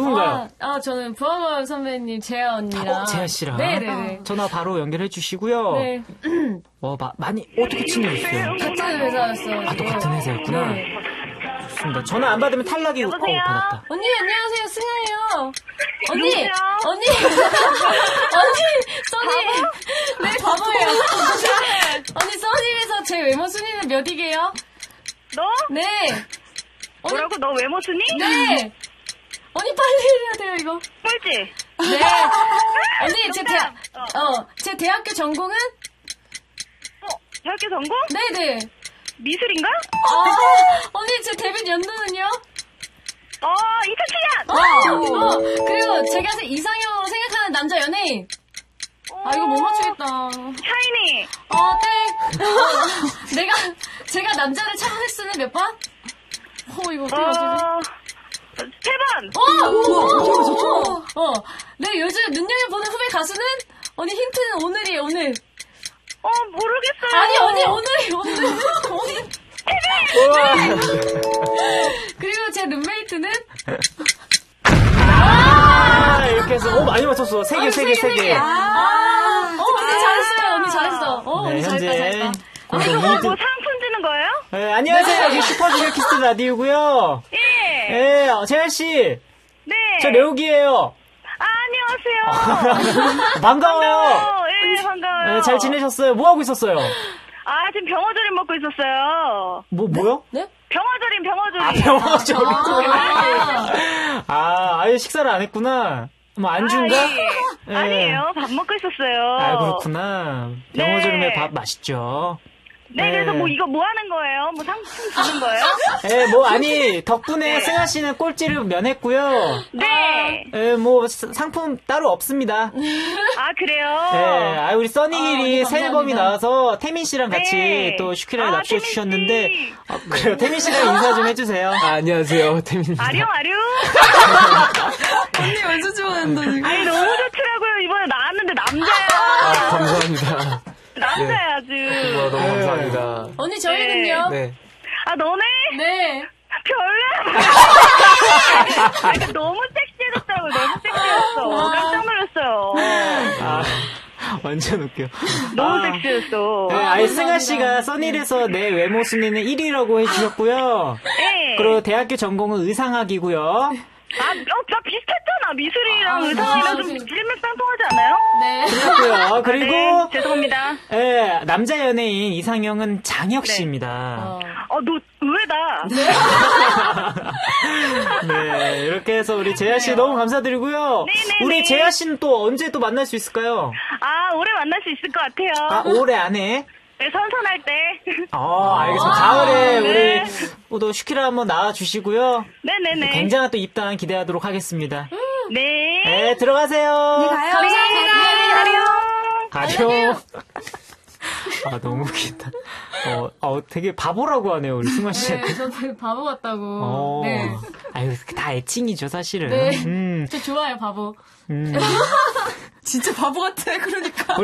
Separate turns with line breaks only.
누군가요?
저는 부하마을 선배님 재아 언니랑.
재아 씨랑?
네네네.
전화 바로 연결해 주시고요.
네.
많이, 어떻게 친해졌어요?
같은 회사였어요.
또 같은 회사였구나.
네.
좋습니다. 전화 안 받으면 탈락이고, 받았다.
언니, 안녕하세요. 승아예요. 언니,
누구세요?
언니, 써니. 네, 바보예요. 언니, 써니에서 제 외모 순위는 몇이게요?
너?
네.
뭐라고? 너 외모 순위?
네. 언니, 빨리 해야 돼요, 이거.
꼴찌.
네. 언니, 제 대학교 전공은?
대학교 전공?
네네.
미술인가?
언니, 제 데뷔 연도는요?
2007년!
그리고 제가 이상형으로 생각하는 남자 연예인. 이거 못 맞추겠다.
샤이니!
땡. 제가 남자를 찾은 횟수는 몇 번? 이거 어떻게 맞추지?
3번!
네, 요즘 눈여겨보는 후배 가수는? 언니, 힌트는 오늘이에요, 오늘.
모르겠어요.
아니, 언니, 오늘. 그리고 제 룸메이트는?
이렇게 해서, 많이 맞췄어. 3개.
언니 잘했어요, 언니 잘했어. 언니 잘했다.
뭐 상품 주는 거예요?
네, 안녕하세요. 여기 슈퍼주니어 키스 라디오고요.
예.
재아씨.
네.
저 레옥이에요.
안녕하세요.
반가워요.
예, 반가워요.
네, 잘 지내셨어요? 뭐 하고 있었어요?
지금 병어조림 먹고 있었어요.
뭐요?
네?
병어조림.
병어조림. 아예 식사를 안 했구나. 안주인가?
아니에요. 밥 먹고 있었어요.
그렇구나. 병어조림에 밥 맛있죠.
네, 그래서 이거 뭐 하는 거예요? 뭐 상품 주는 거예요?
네, 덕분에 승아 씨는 꼴찌를 면했고요.
네.
상품 따로 없습니다.
그래요?
네, 우리 써니길이 새 앨범이 나와서 태민 씨랑 같이 또 슈키라를 납치해 주셨는데, 그래요. 태민 씨랑 인사 좀 해주세요.
안녕하세요, 태민입니다.
아룡.
언니 완전 좋아한다, 지금.
아니, 너무 좋더라고요. 이번에 나왔는데 남자야.
감사합니다.
남자야, 아주.
너무 감사합니다.
언니, 저희는요?
네.
너네?
네.
별로야. 너무 섹시해졌더라고요. 너무 섹시했어. 깜짝 놀랐어요.
완전 웃겨.
너무 섹시했어.
네, 승아 씨가 써니에서 내 외모 순위는 1위라고 해주셨고요.
네.
그리고 대학교 전공은 의상학이고요.
나 비슷했잖아. 미술이랑 의상이랑 좀 일맥상통하지 않아요?
네.
그렇고요. 그리고
네, 죄송합니다.
네, 남자 연예인 이상형은 장혁 씨입니다.
너 의외다.
네, 이렇게 해서 우리 재아 씨 너무 감사드리고요.
네네네.
우리 재아 씨는 또 언제 또 만날 수 있을까요?
올해 만날 수 있을 것 같아요.
올해 안에?
네, 선선할 때.
알겠습니다. 가을에 우리 또 슈키라 한번 나와주시고요.
네네네.
굉장한 또 입단 기대하도록 하겠습니다.
네.
네, 들어가세요.
네, 가요.
가요. 너무 웃긴다. 되게 바보라고 하네요, 우리 승화 씨.
네, 저도 바보 같다고. 네.
다 애칭이죠, 사실은.
네. 저 좋아요, 바보. 진짜 바보 같아, 그러니까.